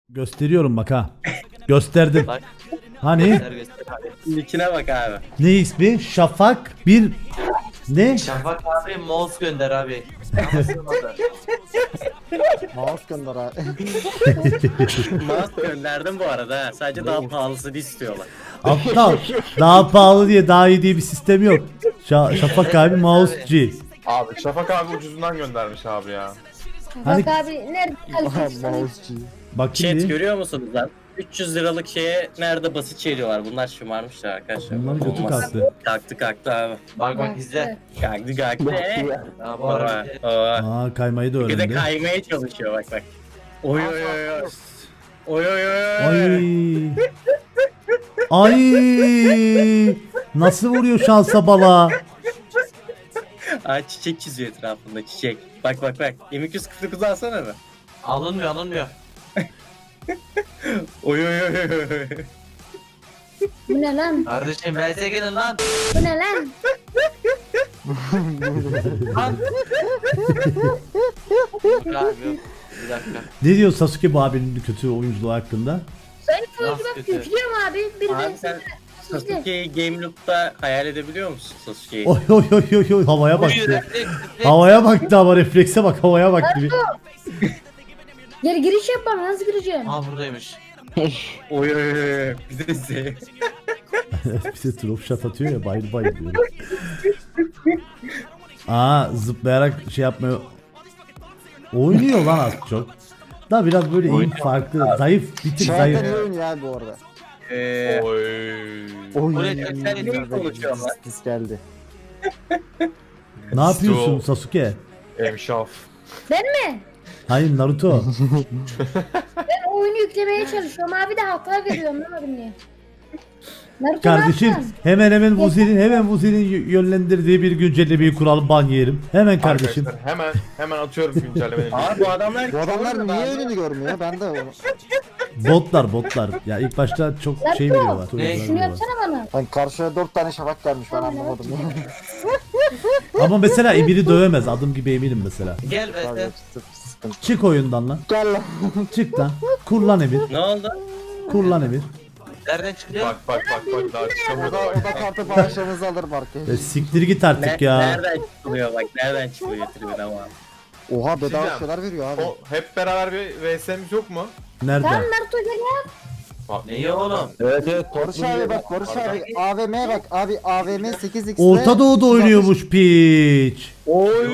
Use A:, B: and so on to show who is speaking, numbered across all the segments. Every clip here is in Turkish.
A: Gösteriyorum bak ha. Gösterdim.
B: Bak.
A: Hani
B: Göster abi.
C: Nickine bak abi.
A: ne ismi? Şafak bir ne?
B: Şafak abi mouse gönder abi.
D: Mouse gönder abi.
C: Mouse gönderdim bu arada ha. Sadece daha pahalısını istiyorlar.
A: Aptal. Daha pahalı diye daha iyi diye bir sistem yok. Şafak abi mouse G.
E: Abi Şafak abi ucuzundan göndermiş abi ya.
A: Hani-
F: Bak abi nerede kalitesi?
D: Mouse'cu.
A: Bak
C: Chat
A: şimdi.
C: görüyor musunuz lan? 300 liralık şeye nerede basit çeliyorlar. Bunlar şımarmışlar arkadaşlar.
A: Bunların götü
C: Olmaz.
A: kalktı.
C: Kalktı abi.
B: Bak izle.
C: Kalktı.
B: Ya bu arada
A: Aa kaymayı da
C: Bir de
A: öğrendi.
C: kaymaya çalışıyor bak. Oy oy oy oy. Oy oy oy.
A: Ay. Ay. Nasıl vuruyor şansa bala?
C: Aa, çiçek çiziyor etrafında çiçek. Bak. M249 alsana mı?
B: alınmıyor.
C: Oy oy oy oy.
F: Bu ne lan?
B: Kardeşim VS'e gelin lan.
F: Bu ne lan?
B: Lan. Abi yok. Bir dakika.
A: Ne diyor Sasuke bu abinin kötü oyunculuğu hakkında?
F: Ben oyuncu
B: Nasıl
F: bak
B: kötü?
F: yüklüyorum abi. Bir
C: Abi
F: ben
C: sen Sasuke'yi Game Loop'ta hayal edebiliyor musun Sasuke'yi?
A: Oy oy oy oy oy havaya
B: Buyur,
A: baktı.
B: refleks.
A: Havaya baktı ama reflekse bak havaya baktı bir.
F: Geri giriş yapmam nasıl gireceğim?
B: Aa buradaymış.
C: Oy oy oy. Bir de Z.
A: Bize drop shot atıyor ya bayıl bayıl diyor. Aa zıplayarak şey yapmıyor. Oynuyor lan az çok. Da biraz böyle eğim farklı. Zayıf bir tık
D: Şu anda
A: zayıf.
D: ne oynuyor abi bu arada?
E: Oy.
B: Buraya tekrar ediyorum.
C: konuşuyorum lan.
D: Pis geldi.
A: Ne yapıyorsun Sasuke?
E: Emşaf.
F: Ben mi?
A: Hayır Naruto.
F: Ben oyunu yüklemeye çalışıyorum abi de hata veriyorum anlamadım niye. Naruto
A: Kardeşim
F: ne yaptın?
A: hemen Vuzi'nin yönlendirdiği bir güncellemeyi kuralım ban yiyelim. Hemen kardeşim.
E: Arkadaşlar hemen atıyorum güncellemeleri.
C: Abi bu adamlar
D: Bu adamlar niye önünü görmüyor? Ben de onu.
A: Botlar. Ya ilk başta çok şey veriyorlar. çok
B: Ne?
A: güzel
F: Şunu
A: veriyorlar.
F: yapsana bana.
D: Hani karşıya 4 tane şafak gelmiş ben anlamadım.
A: Ama mesela Emir'i dövemez. Adım gibi eminim mesela.
B: Gel
D: Abi,
B: VS.
D: sıkıntı.
A: Çık oyundan lan.
D: Gel lan.
A: Çık lan. Kur lan Emir.
C: Ne oldu?
A: Kur lan Emir.
B: Nereden çıkıyor?
E: Bak daha
D: O
E: çıkamıyor.
D: da, o da kartı bağışlarınızı alır Barkı.
A: Siktir git artık ya.
C: Nereden çıkılıyor bak nereden çıkılıyor tribün ama.
D: Oha bedava
E: Diyeceğim.
D: şeyler veriyor abi.
E: O hep beraber bir VS'miz yok mu?
A: Nerede?
F: Tamam Naruto gel ya.
B: Neyi oğlum?
D: Barış abi bak Barış abi AVM'ye bak abi AVM 8x'de.
A: Orta Doğu'da oynuyormuş piç.
E: Oy.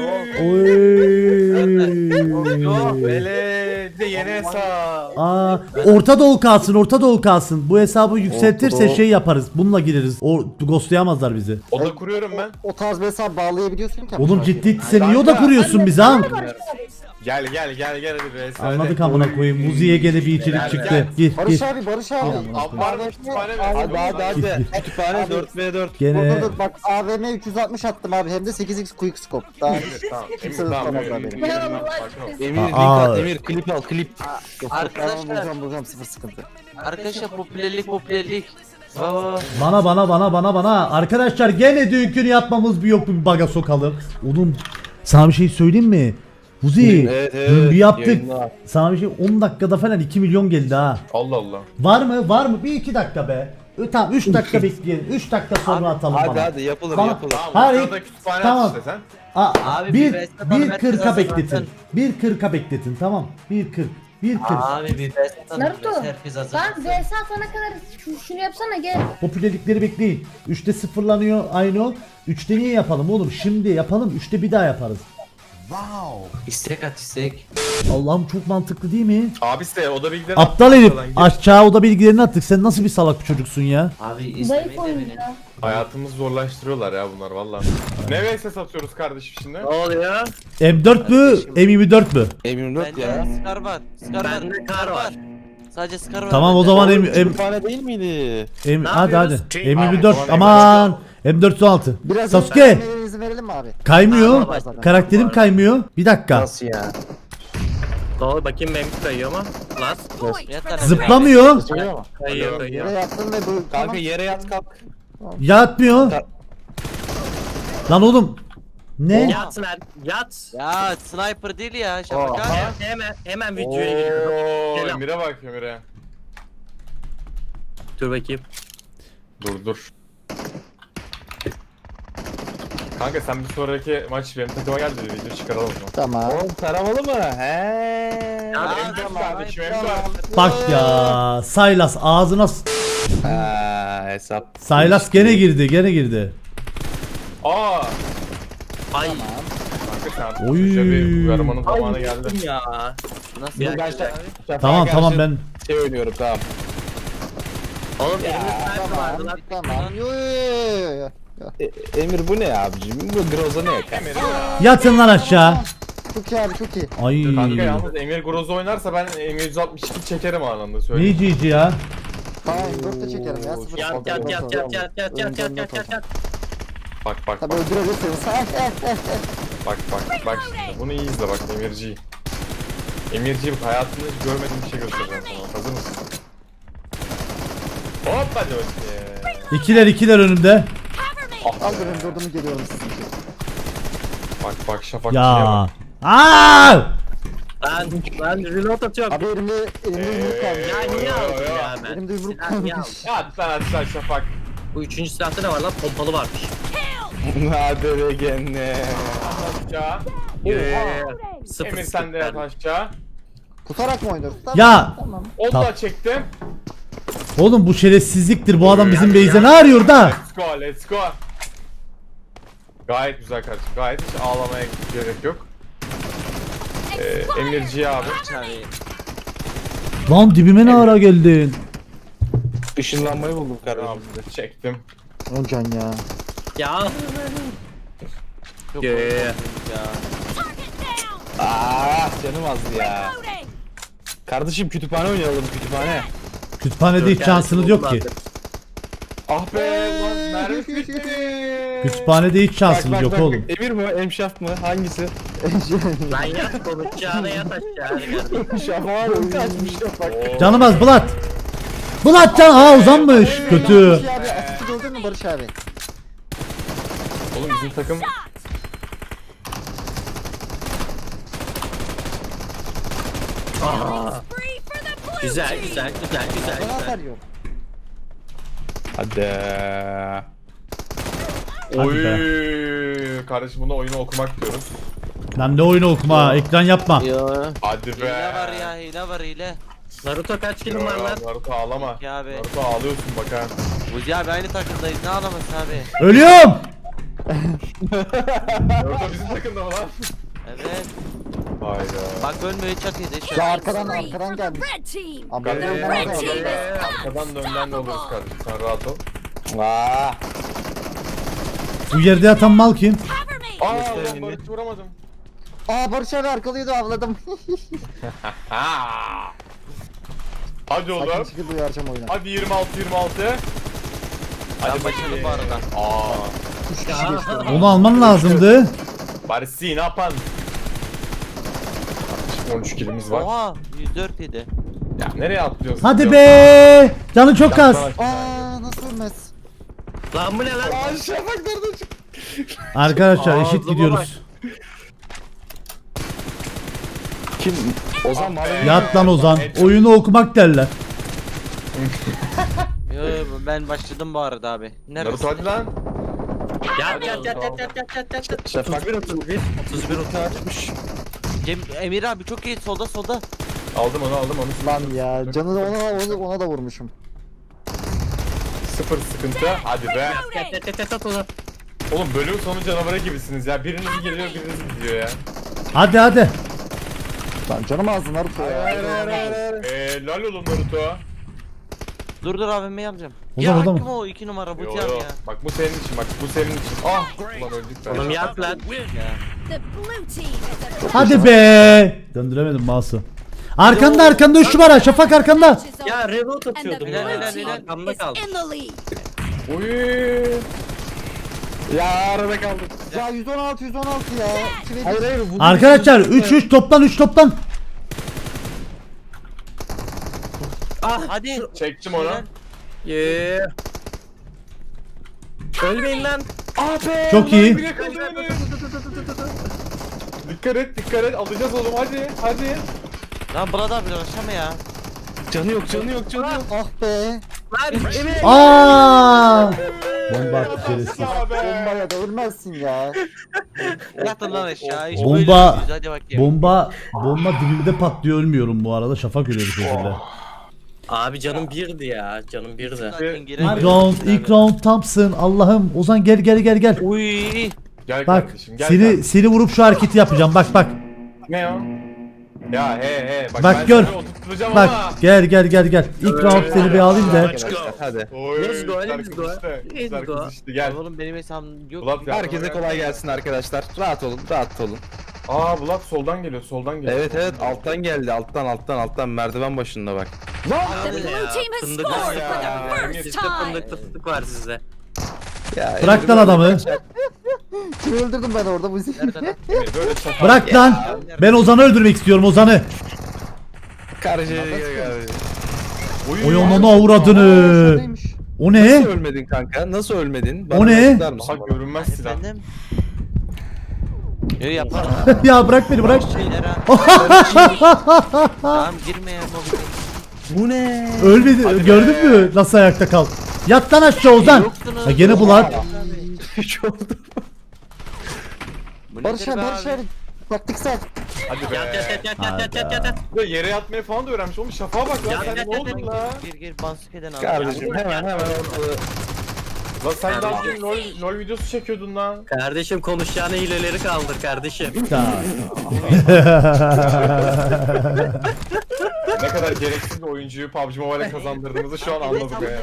A: Oy.
E: Böyle bir de yeni hesap.
A: Aa, Orta Doğu kalsın. Bu hesabı yükseltirse
D: Orta Doğu.
A: şey yaparız. Bununla gireriz. O ghostlayamazlar bizi.
E: Oda kuruyorum ben.
D: O tarz bir hesap bağlayabiliyorsun ki.
A: Oğlum
D: Barış abi.
A: ciddi sen niye oda kuruyorsun bize ha?
E: Gel hadi VS.
A: Anladık amına koyayım. Muzi'ye gene bir içerik çıktı. Gir
D: Barış
A: gir.
D: abi Barış abi.
E: Ambar mı kütüphane mi?
D: Hadi.
E: Kütüphane 4v4.
A: Gene
D: Dur bak AVM 360 attım abi hem de 8x quick scope. Daha
E: Tamam.
D: kimse
E: Tamam.
D: tutamaz abi beni.
A: Aa,
B: Arkadaşlar.
D: Bulacağım sıfır sıkıntı.
B: Arkadaşlar popülerlik. Baba.
A: bana. Arkadaşlar gene dünkünü yapmamız bir yok bir baga sokalım. Oğlum sana bir şey söyleyeyim mi? Muzi dün bir yaptık. Sana bir şey 10 dakikada falan 2 milyon geldi ha.
E: Allah Allah.
A: Var mı? Bir 2 dakika be. Tamam 3 dakika bekleyelim. 3 dakika sonra atalım bana.
G: Hadi yapılır
A: Bana-
G: yapılır.
E: Tamam.
A: Hayır.
E: Orada kütüphane
A: Tamam.
E: at işte sen.
B: Abi
A: bir
B: bir VS atalım, herkes
A: 40'a
B: hazırlansın.
A: bekletin. 1.40'a bekletin tamam. 1.40. 1.40.
B: Abi bir VS atalım.
F: Naruto.
B: Herkes hazır.
F: Lan VS atana kadar şunu yapsana gel.
A: Popülerlikleri bekleyin. 3'te sıfırlanıyor aynı o. 3'te niye yapalım oğlum? Şimdi yapalım. 3'te bir daha yaparız.
B: İstek at istek.
A: Allah'ım çok mantıklı değil mi?
E: Abisi de oda bilgilerini
A: Aptal
E: at,
A: herif.
E: arkadan gir.
A: Aşağı oda bilgilerini attık. Sen nasıl bir salak bir çocuksun ya?
B: Abi
F: Zayıf
B: izlemeyi de
F: oyuncu
B: beni.
F: ya.
E: Hayatımızı zorlaştırıyorlar ya bunlar valla. Ne VS satıyoruz kardeşim şimdi?
C: Ne oluyor?
A: M4 mü? M24 mü?
G: Emin
B: Bende
G: ya.
B: Scar var.
C: Bende kar var.
B: Sadece Scar var.
A: Tamam o
B: bende.
A: zaman
G: Kütüphane değil miydi?
A: hadi.
C: yapıyoruz?
A: M24
E: Tamam,
A: aman. M416.
D: Biraz
A: Sasuke
D: vermenizi verelim mi abi?
A: kaymıyor.
D: Tamam.
A: Karakterim kaymıyor. Bir dakika.
C: Nasıl ya? Doğru bakayım benim kayıyor mu? Las.
B: Yat lan.
A: Zıplamıyor.
C: Kayıyor
D: Yere yattım ve bu
G: Kanka yere yat kalk.
A: Yatmıyor. Lan oğlum. Ne?
C: Yat lan yat.
B: Ya sniper değil ya Şafak abi.
C: Hemen videoya giriyorum.
E: Oo,
C: Selam.
E: Emir'e bak Emir'e.
C: Dur bakayım.
E: Dur. Kanka sen bir sonraki maç benim takıma gel de bir video çıkaralım mı?
D: Tamam.
G: Oğlum taramalı mı? He.
B: Ya,
E: Emre kardeşim
B: sniper.
E: Emre.
A: Bak ya. Saylas ağzına
G: Ha, hesap.
A: Saylas gene girdi.
E: Aa.
C: Ay.
E: Kanka sen artık
A: Oy.
E: çocuğa bir uyarmanın zamanı geldi.
C: Ya.
B: Nasıl
C: Ya,
B: ya?
C: gerçekten.
A: Tamam ben.
G: Şey oynuyorum tamam.
C: Oğlum elimde sniper vardı lan.
D: Tamam. Yo.
G: Emir bu ne abicim? Bu Groza ne?
E: Emir ya.
A: Yatın lan aşağı.
D: Çok iyi abi çok iyi.
A: Ay.
E: Kanka yalnız Emir Groza oynarsa ben M162 çekerim anında söyleyeyim.
A: Ne GG ya?
D: Tamam 4'te çekerim ya. sıfır
C: Yat
D: sıfır.
C: yat.
E: Bak.
D: Tabii öldürebilirsiniz.
E: Bak şimdi. Bunu iyi izle bak Emirci. Emirci bak hayatında hiç görmediğim bir şey göstereceğim sana. Hazır mısın? Hop hadi bakayım.
A: İkiler önümde.
E: Ah
D: Al
E: be.
D: benim durdumu geliyorum sizin için.
E: Bak Şafakçı'ya
A: Ya.
E: bak.
A: Aa!
C: Ben reload atıyorum.
D: Abi elimde yumruk kalmış.
C: Ya niye aldın ya ben?
D: Elimde yumruk
C: Silah niye
D: kalmış.
C: aldın?
E: Ya at lan aşağı Şafak.
C: Bu üçüncü silahta ne var lan? Pompalı varmış.
G: Hadi be gene.
E: Aşağı.
C: Sıfır
E: Emir sen de yat aşağı.
D: Tutarak mı oynuyoruz? Tamam.
A: Ya.
D: Tamam.
E: Onu
A: Tamam.
E: da çektim.
A: Oğlum bu şerefsizliktir. Bu adam bizim base'e ne arıyor da?
E: Let's go. Gayet güzel kardeşim. Gayet hiç ağlamaya gerek yok. Emirci abi.
B: Abi.
A: Lan dibime ne ara geldin?
G: Işınlanmayı buldum kardeşim.
E: Abi çektim.
D: Öncan ya.
C: Ya.
B: Çok
C: Yeah.
B: korkunç ya.
G: Canım azdı ya. Kardeşim kütüphane oynayalım kütüphane.
A: Kütüphanede hiç şansınız yok ki.
E: Ah be ulan mermi bitti.
A: Kütüphanede hiç şansınız yok oğlum.
G: Emir mi? Emşaf mı? Hangisi?
C: Lan yat konuşacağına yat aşağı.
G: Şafak kaçmış Şafak.
A: Canım az Bulat. Bulat can uzanmış. Kötü.
D: Barış abi asisti gördün mü Barış abi?
E: Oğlum bizim takım
C: Güzel.
D: Bana atar yok.
G: Hadi.
E: Oy kardeşim buna oyunu okumak diyoruz.
A: Lan ne oyunu okuma ekran yapma.
B: Yo.
E: Hadi be.
B: Hile var ya hile.
C: Naruto kaç kilim var lan?
E: Naruto ağlama.
B: Ya abi.
E: Naruto ağlıyorsun bak ha.
B: Buzi abi aynı takımdayız ne ağlaması abi.
A: Ölüyorum.
E: Naruto bizim takımda mı lan?
B: Evet.
E: Hayda.
B: Bak ölmüyor çat yedi.
D: Ya arkadan gelmiş.
H: Red team.
D: Abi
E: Gel,
D: önden
E: gel,
D: gelmiş.
E: gel, gel. Arkadan da önden de oluruz kardeşim. Sen rahat ol.
G: Aa.
A: Bu yerde yatan mal kim?
H: Cover me.
E: Aa
G: Gösterin
E: ulan
G: elini.
E: Barış'ı vuramadım.
D: Aa Barış abi arkalıyordu avladım.
E: Ha. Hadi oğlum.
D: Sakin şekilde uyaracağım oyuna.
E: Hadi 26.
B: Ben başladım bu arada.
E: Aa.
D: 3 kişi geçti.
A: Onu alman lazımdı.
E: Barış'ı ne yapan? 13 kilimiz var.
B: Oha 104 yedi.
E: Ya nereye atlıyorsun?
A: Hadi be. Canı çok az.
D: Aa nasıl ölmez?
C: Lan bu ne lan?
E: Aa Şafak nerede çıktı?
A: Arkadaşlar eşit
C: Ağzıma
A: gidiyoruz.
G: Kim? Ozan mı?
A: Yat lan Ozan. Oyunu okumak derler.
B: Yo ben başladım bu arada abi.
E: Naruto
B: Neredesin?
E: hadi lan.
C: Yat.
G: Şafak
C: 31.
G: açmış.
B: Emir abi çok iyi solda.
E: Aldım onu.
D: Lan ya canını ona da vurmuşum.
E: Sıfır sıkıntı. Hadi be.
C: Yat.
E: Oğlum bölüm sonu canavarı gibisiniz ya. Biriniz geliyor biriniz gidiyor ya.
A: Hadi.
D: Lan canım ağzı Naruto ya.
E: Lal oğlum Naruto.
B: Dur AVM'yi alacağım.
A: Ozan,
B: Ya
A: orada mı?
B: kim o 2 numara bu
E: Yo
B: can
E: yo.
B: ya.
E: Bak bu senin için bak bu senin için. Ah ulan öldük be.
C: Oğlum yat lan.
B: Ya.
H: The blue team is a
A: Hadi be. Döndüremedim mouse'u. Arkanda 3 numara. Şafak arkanda.
C: Ya reload
H: and the
C: atıyordum
H: blue
C: ya.
H: team
C: Arkamda
H: is
C: kaldı.
H: in the lead.
E: Uy.
G: Ya arada kaldık.
D: Ya 116 ya.
G: Hayır.
A: Arkadaşlar 3 toplan.
C: Ah
B: Hadi.
E: Çektim onu.
C: Yeah. Ölmeyin lan.
E: Abi.
A: Çok iyi.
E: Dikkat et dikkat et alacağız oğlum hadi.
B: Lan burada abi uğraşama ya.
G: Canı yok canı yok canı yok.
D: Ah be.
A: Aa! Bomba attı şerefsiz.
D: Bombaya da ölmezsin ya.
B: Yatın lan aşağı. Hiç
A: Bomba-
B: böyle değiliz, hadi bakayım.
A: Bomba dibimde patlıyor, ölmüyorum bu arada. Şafak ölüyor bir şekilde.
C: Abi canım birdi ya. Canım birdi.
B: Zaten
A: İlk
B: giremedim.
A: ilk round Thompson. Allah'ım. Ozan gel.
B: Uy.
E: Gel
A: Bak
E: kardeşim gel.
A: seni vurup şu hareketi yapacağım. Bak.
E: Ne o? Ya he
A: Bak
E: ben
A: gör.
E: seni oturtturacağım
A: Bak
E: ama.
A: gel. İlk round seni bir alayım da.
G: Arkadaşlar hadi.
E: Oy,
C: Let's go,
E: güzel
C: let's
E: kız
C: go.
E: işte,
C: Let's
E: güzel
C: go.
E: kız işte, gel.
B: Oğlum benim hesabım yok.
E: Bulat ya.
G: Herkese kolay gelsin arkadaşlar. Rahat olun.
E: Aa Bulat soldan geliyor.
G: Evet alttan geldi. Alttan merdiven başında bak.
H: The blue team has
C: Fındık
H: scored
C: ya.
H: for the first
C: Sizde
H: time.
C: fındıklı fıstık var sizde.
G: Ya,
A: Bırak lan adamı.
D: Kimi öldürdüm ben orada bu zil.
B: Nerede lan?
E: Emir böyle çatal.
A: Bırak lan. Ben Ozan'ı öldürmek istiyorum, Ozan'ı.
G: Karıcıya
A: Oy onu avradını. O
G: Nasıl
A: ne?
G: ölmedin kanka? Nasıl ölmedin?
A: O ne?
G: açıklar mısın
E: Daha
G: bana?
E: görünmez silah.
B: Efendim? Yo yaparım.
A: Ya bırak beni bırak.
B: Şeyler ha. Tamam girme ya mobil.
G: Bu ne?
A: Ölmedi.
E: Hadi
A: Gördün
E: be.
A: mü nasıl ayakta kal? Yat lan aşağı Ozan.
B: Yoktunuz.
A: Ha gene Bulat.
G: Hiç oldu.
B: Bu
D: Barış
B: nedir
D: abi
B: be
D: Barış abi. Taktiksel.
E: Hadi be.
C: Yat.
E: Ve yere yatmayı falan da öğrenmiş. Oğlum şafağa bak lan
C: Ya,
E: sen ne oldun la?
B: Gir bansukeden al.
G: Kardeşim hemen ortalığı.
E: Lan sen daha dün LOL videosu çekiyordun lan.
C: Kardeşim konuşacağına hileleri kaldır kardeşim.
E: Ne kadar gereksiz bir oyuncuyu PUBG Mobile'e kazandırdığımızı şu an anladık ya.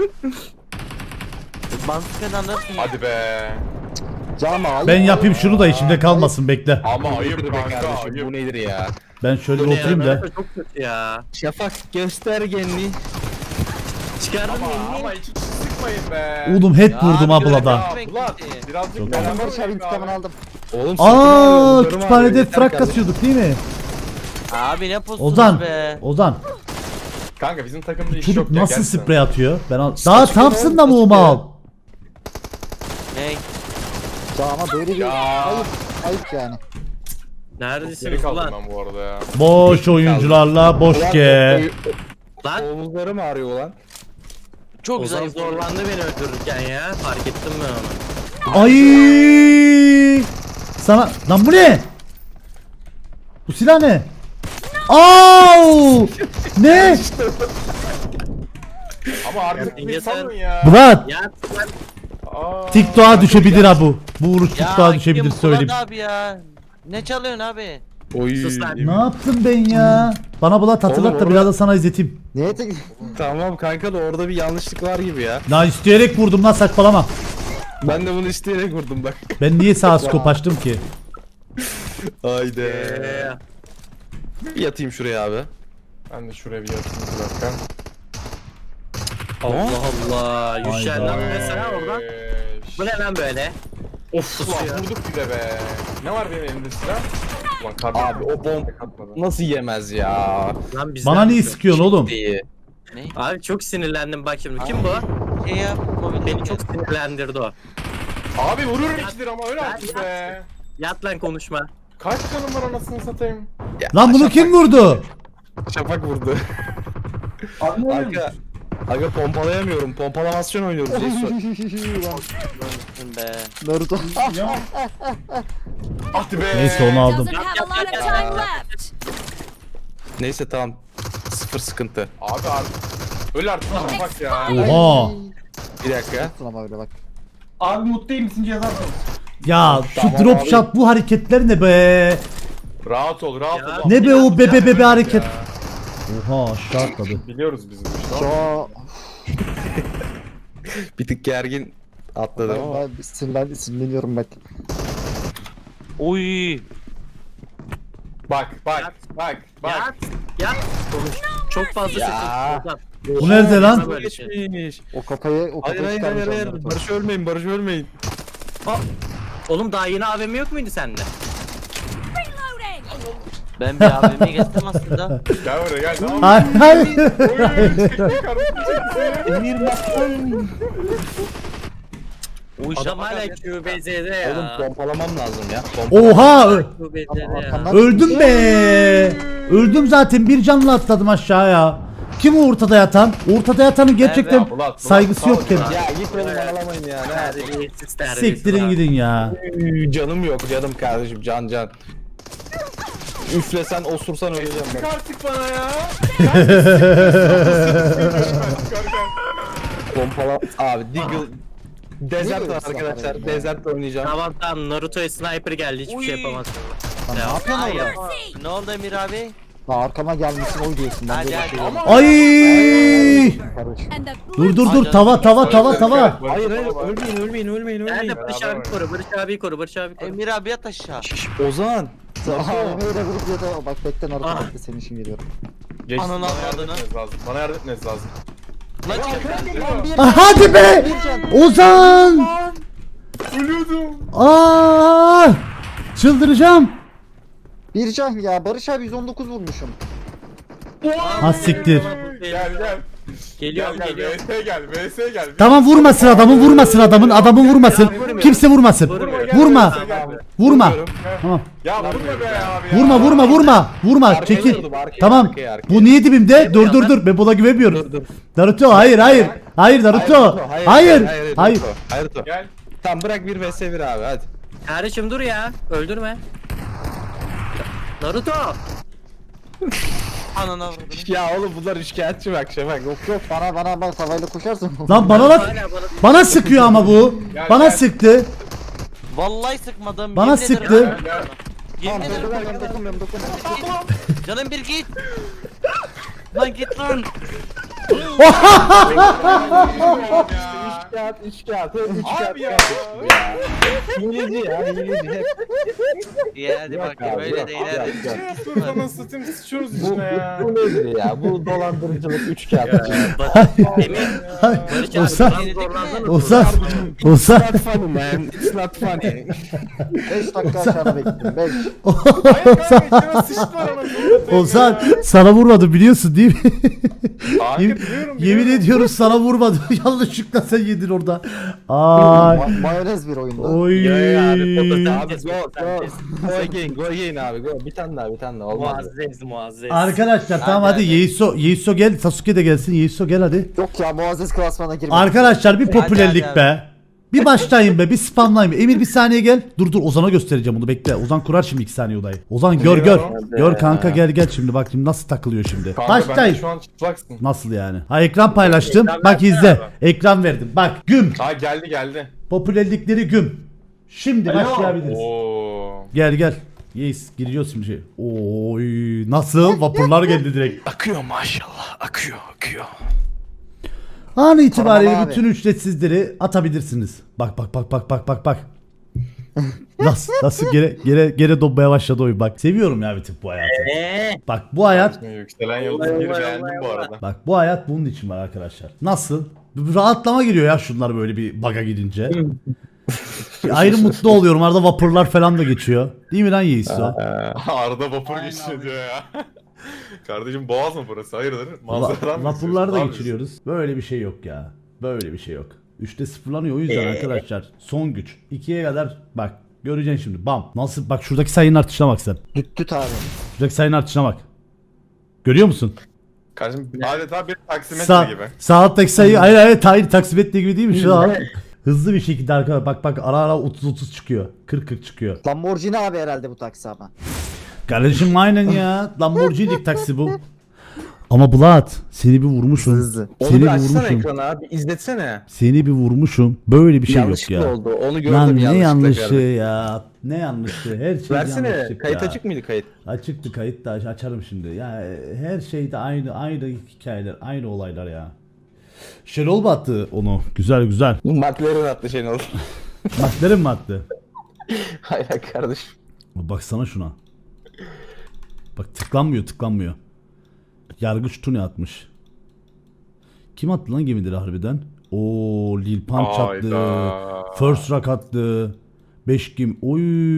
B: Bansukeden alırsın.
E: Hadi be.
D: Cama al.
A: Ben yapayım şunu da içimde kalmasın, bekle.
E: Ama
G: Nedir
E: ayıp
G: be
E: kanka
G: kardeşim?
E: ayıp.
G: Bu nedir ya?
A: Ben şöyle bir oturayım da.
C: Çok kötü ya.
G: Şafak göstergenli.
C: Çıkardın mı?
E: Ama hiç sıkmayın be.
A: Oğlum head vurdum
B: abi,
A: ablada.
E: Ya Bulat birazcık
A: Çok
E: beraber
D: Barış abi
E: oynayın be
D: intikamını
E: abi.
D: aldım.
G: Oğlum
A: Aa, kütüphanede frak kasıyorduk değil mi?
B: Abi ne posunuz
A: Ozan.
B: be.
A: Ozan.
E: Kanka bizim takımda iş
A: Çocuk
E: yok ya.
A: nasıl
E: gerçekten.
A: sprey atıyor? Ben daha Thompson da mı o mal?
B: Ney?
D: Cama böyle bir
E: Ya.
D: ayıp yani.
E: Geri
C: Neredesiniz
E: kaldım
C: ulan?
E: ben bu arada ya.
A: Boş oyuncularla boş ge.
C: Lan
G: Omuzlarım ağrıyor lan.
B: Çok
C: Ozan
B: zayıf.
C: zorlandı beni öldürürken ya. Fark ettim ben onu.
A: Ay! Sana lan bu ne? Bu silah ne? Au! Ne?
E: Ama artık bir salın ya.
A: Bulat,
C: Ya lan
E: Aa,
A: TikTok'a düşebilir ha bu. Bu vuruş TikTok'a
B: Ya
A: düşebilir
B: kim
A: söyleyeyim.
B: Bulat abi ya? Ne çalıyorsun abi?
G: Oy.
C: sus lan.
A: Ne yaptım ben ya? Bana Bulat hatırlat da
G: Oğlum,
A: biraz da sana izleteyim.
D: Neye tek...
G: Tamam kanka da orada bir yanlışlık var gibi ya.
A: Lan isteyerek vurdum lan, saçmalama.
G: Ben de bunu isteyerek vurdum bak.
A: Ben niye sağ skop açtım ki?
G: Haydi.
C: Ee,
G: Bir yatayım şuraya abi.
E: Ben de şuraya bir yatayım bir dakika.
C: Allah Allah. Yüşen lan mesela oradan.
E: Eee,
C: Bu ne lan böyle?
E: Of
C: Pusuyor.
E: ulan vurduk bir de be. Ne var benim elimde silah? Ulan kardeşim.
G: Abi o bomb nasıl yemez ya?
C: Lan bizden
A: Bana niye
C: mi?
A: sıkıyorsun oğlum?
G: İyi.
B: Ne?
C: Abi çok sinirlendim bak şimdi. Kim bu?
B: Şey yap mobil.
C: Beni çok sinirlendirdi o.
E: Abi vururum ikidir ama öyle artık be.
C: Yat lan konuşma.
E: Kaç canım var anasını satayım.
G: Ya,
A: Lan bunu kim vurdu?
G: Şafak vurdu. Aga pompalayamıyorum. Pompalamasyon oynuyoruz Jason.
B: Be.
D: Naruto.
E: Hadi be.
A: Neyse onu aldım.
H: Doesn't have a lot of time left.
G: Neyse tamam. Sıfır sıkıntı.
E: Abi artık. Öyle artık bak ya.
A: Oha.
G: Bir dakika.
D: Ama öyle bak.
I: Abi mutlu değil misin yazarsanız?
A: Ya şu
G: Tamam
A: drop
G: abi.
A: shot bu hareketler ne be?
E: Rahat ol rahat
C: Ya.
E: ol.
A: Ne be o bebe bebe hareket.
E: Ya.
A: Oha aşağı atladı.
E: Biliyoruz biz bu işi.
D: Şu
G: Bir tık gergin atladım ama.
D: ben sinirleniyorum bak.
B: Oy.
E: Bak bak
C: Yat.
E: bak bak.
C: Yat. Yat. Konuş. Çok fazla
G: Ya.
C: sesin. Ozan.
A: Bu nerede lan?
C: Böyle şey.
G: Geçmiş.
D: O kafayı
G: Hayır hayır hayır hayır. Barış ölmeyin Barış ölmeyin.
C: Oğlum daha yeni AVM yok muydu sende?
H: Reloading.
B: Ben bir abime geçtim aslında.
E: Gel buraya gel tamam mı?
A: Hayır hayır.
E: Oy, çekti kardeşim çekti.
G: Emir bak.
C: Adam hala QBZ'de ya.
G: Oğlum pompalamam lazım ya.
A: Oha!
C: QBZ'de ya.
D: Arkamdan
A: Öldüm be! Öldüm zaten, bir canla atladım aşağıya. Kim o ortada yatan? Ortada yatanın gerçekten
E: Bulat,
A: saygısı yok
E: Bulat.
A: kendine.
G: Ya git oğlum ağlamayın ya. Ne yapayım?
C: Terbiyesiz, terbiyesiz
A: Siktirin
C: abi.
A: gidin ya.
G: Canım yok canım kardeşim can. Üflesen osursan öleceğim ben.
E: Artık bana ya.
G: Pompala abi Deagle Desert
D: böyle
G: var
D: bir silah
G: arkadaşlar.
D: ya?
G: Desert oynayacağım.
C: Tamam Naruto'ya sniper geldi hiçbir şey yapamaz.
D: Lan ne yapıyorsun
B: Hayır.
D: orada?
B: Ne oldu Emir abi?
D: Lan arkama gelmişsin oy diyorsun. Ben
B: Hadi
D: böyle
B: hadi.
D: şey yok.
A: Ay!
D: Karış.
H: And the blue
A: Dur tava.
G: Hayır ölmeyin.
C: Nerede Barış abi koru, Barış abi koru, Barış abi koru.
B: Emir abi yat aşağı.
G: Ozan.
D: AVM'yle vurup ya da bak bekle Naruto
C: Ah.
D: bekle senin için geliyorum.
E: Geçti,
B: Ananı
E: bana yardım
B: avradını.
E: etmeniz lazım. Bana yardım etmeniz lazım.
B: Lan çık.
A: Ah, hadi be! Ozan!
E: Ölüyordum.
A: Aa! Çıldıracağım.
D: Bir can ya Barış abi 119 vurmuşum.
A: Ha siktir.
E: Gel.
C: Geliyorum,
E: Gel
C: geliyorum.
E: VS gel.
A: Tamam, vurmasın adamın vurmasın. Kimse vurmasın. Vurma. Vurma. Tamam.
E: Ya vurma be abi ya.
A: Vurma.
G: Arkaya
A: Çekil.
G: vurdum, arkaya,
A: Tamam.
G: arkaya.
A: Bu niye dibimde? Dur. Ben buna güvenmiyorum.
G: Dur.
A: Naruto hayır. Naruto. Hayır.
G: Hayır.
E: Gel.
G: Tamam bırak bir vs 1 abi hadi.
C: Kardeşim dur ya, öldürme. Naruto!
B: Ananı avradını.
G: Ya oğlum bunlar üçkağıtçı bak bak.
D: Yok bana bak tavayla koşarsın.
A: Lan bana sıkıyor ama bu. Bana sıktı.
B: Vallahi sıkmadım.
A: Bana
B: yemin ederim.
A: sıktı.
B: Yemin ederim.
D: Dokunmuyorum.
B: Canım bir git. Lan git lan.
G: Üçkağıt.
E: Abi ya.
G: Hileci ya hileci.
B: Ya hadi
G: Yok
B: bak
G: abi,
B: böyle
G: yok,
B: de
G: yok,
B: ileride.
E: Ne yapıyoruz anasını satayım sıçıyoruz
G: Bu,
E: içine ya.
G: bu nedir ya? Bu dolandırıcılık üçkağıtçı.
C: Emir, Barış abi
A: Ozan.
C: biraz zorlandın mı?
A: Ozan.
G: It's not funny man. It's not funny.
D: 5 dakika aşağıda bekledim 5.
E: Hayır kanka içine sıçtılar anasını satayım
A: Ozan
E: ya.
A: sana vurmadı biliyorsun değil mi?
E: Kanka biliyorum.
A: Yemin ediyorum sana vurmadı. Yanlışlıkla sen yedin orada. Ay.
D: Mayonez bir oyunda.
A: Oy.
G: Abi
C: Fotosenteez,
G: go
C: fotosenteez.
G: go again abi go. Bir tane daha olmaz.
C: Muazzez.
A: Arkadaşlar tamam hadi Yeiso gel, Sasuke de gelsin. Yeiso gel hadi.
D: Yok ya Muazzez klasmana girmek.
A: Arkadaşlar bir popülerlik
B: hadi.
A: be. Bir başlayın be, bir spamlayın be. Emir bir saniye gel. Dur Ozan'a göstereceğim bunu, bekle. Ozan kurar şimdi 2 saniye odayı. Ozan gör. Gör kanka, gel şimdi bak şimdi nasıl takılıyor şimdi.
E: Kanka ben de
A: Başlayın.
E: şu an çıplaksın.
A: Nasıl yani? Ha, ekran paylaştım. Bak izle. Ekran verdim. Bak güm.
E: Ha geldi.
A: Popülerlikleri güm. Şimdi başlayabiliriz.
E: Oo.
A: Gel. Yes, giriyoruz şimdi. Oy, nasıl? Vapurlar geldi direkt.
G: Akıyor maşallah. Akıyor.
A: An itibariyle
D: Tamam abi.
A: bütün ücretsizleri atabilirsiniz. Bak. Nasıl geri donmaya başladı oyun bak. Seviyorum ya bir tık bu hayatı. Bak bu hayat,
E: Yükselen yıldız bir beğendim bu arada.
A: bak bu hayat bunun için var arkadaşlar. Nasıl? Bir rahatlama giriyor ya şunlar böyle bir baga gidince. Bir ayrı mutlu oluyorum. Arada vapurlar falan da geçiyor. Değil mi lan Yiğiso?
E: Arada vapur geçiyor diyor ya. Kardeşim boğaz mı burası? Hayırdır? Manzaradan mı
A: Vapurlar da
E: istiyorsun? Ne
A: geçiriyoruz. Böyle bir şey yok ya. Böyle bir şey yok. 3'te sıfırlanıyor o yüzden arkadaşlar. Son güç. 2'ye kadar bak. Göreceksin şimdi. Bam. Nasıl? Bak şuradaki sayının artışına bak sen.
D: Düt abi.
A: Şuradaki sayının artışına bak. Görüyor musun?
E: Kardeşim adeta bir taksimetre
A: Sağ,
E: gibi.
A: sağ alttaki sayı hayır taksimetre gibi değil mi? Şu an hızlı bir şekilde arkadaşlar bak ara 30 çıkıyor. 40 çıkıyor.
D: Lamborghini abi herhalde bu taksi ama.
A: Kardeşim aynen ya. Lamborghini taksi bu. Ama Bulat seni bir vurmuşum.
D: Hızlı.
G: Onu
A: Seni
G: bir
A: bir
G: açsana
A: vurmuşum.
G: ekrana abi. İzletsene.
A: Seni bir vurmuşum. Böyle bir şey yok
G: Yanlışlıkla
A: ya.
G: oldu. Onu gördüm
A: Lan ne
G: yanlışlıkla
A: yanlışı
G: gördüm.
A: ya. Ne yanlışı. Her şey
G: Versene.
A: yanlışlık
G: Kayıt
A: ya.
G: açık mıydı kayıt?
A: Açıktı kayıt da açarım şimdi. Ya her şeyde aynı hikayeler, aynı olaylar ya. Şenol battı onu. Güzel.
G: McLaren attı Şenol.
A: McLaren mi attı?
G: Hayır kardeşim.
A: Baksana şuna. Bak tıklanmıyor. Yargıç Tuni atmış. Kim attı lan gemileri harbiden? Oo, Lil Pump attı.
E: Hayda.
A: First Rock attı. 5 kim? Oy.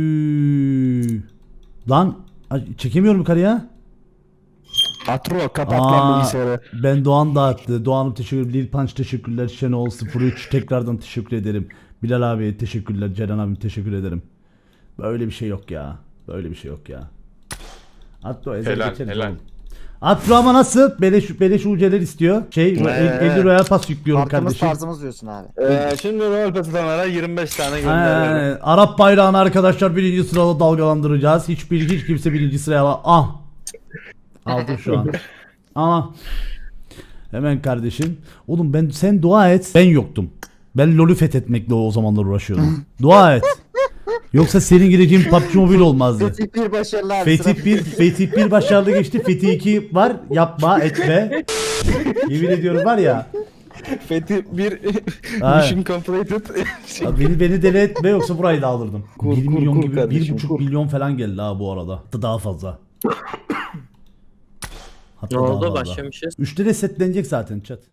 A: Lan çekemiyorum yukarıya.
G: Atro kapat
A: Aa, ben Doğan da attı. Doğan'ım teşekkür ederim. Lil Punch teşekkürler. Şenol 03 tekrardan teşekkür ederim. Bilal abi teşekkürler. Ceren abi teşekkür ederim. Böyle bir şey yok ya. Böyle bir şey yok ya. Atro ezel
E: Helal,
A: geçeriz
E: helal.
A: oğlum. Atro ama nasıl? Beleş UC'ler istiyor. 50 Royal Pass yüklüyorum
D: Farkımız
A: kardeşim.
D: tarzımız diyorsun abi.
G: Şimdi rol patılanlara 25 tane gönderiyorum.
A: Aynen. Arap bayrağını arkadaşlar birinci sırada dalgalandıracağız. Hiç kimse birinci sıraya aldım şu an. Ama hemen kardeşim. Oğlum sen dua et. Ben yoktum. Ben LoL'ü fethetmekle o zamanlar uğraşıyordum. Dua et. Yoksa senin gireceğin PUBG Mobile olmazdı.
D: Fetih 1 başarılı abi.
A: Fetih 1 başarılı geçti. Fetih 2 var. Yapma etme. Yemin ediyorum var ya.
G: Fethi bir
A: Ha.
G: mission completed.
A: Abi beni deli etme yoksa burayı da alırdım.
G: Kur,
A: 1
G: kur,
A: milyon
G: kur
A: gibi
G: kardeşim,
A: 1,5
G: kur.
A: milyon falan geldi ha bu arada. Hatta daha fazla. Hatta
C: Ne
A: daha
C: oldu
A: fazla.
C: başlamışız.
A: 3'te de setlenecek zaten chat.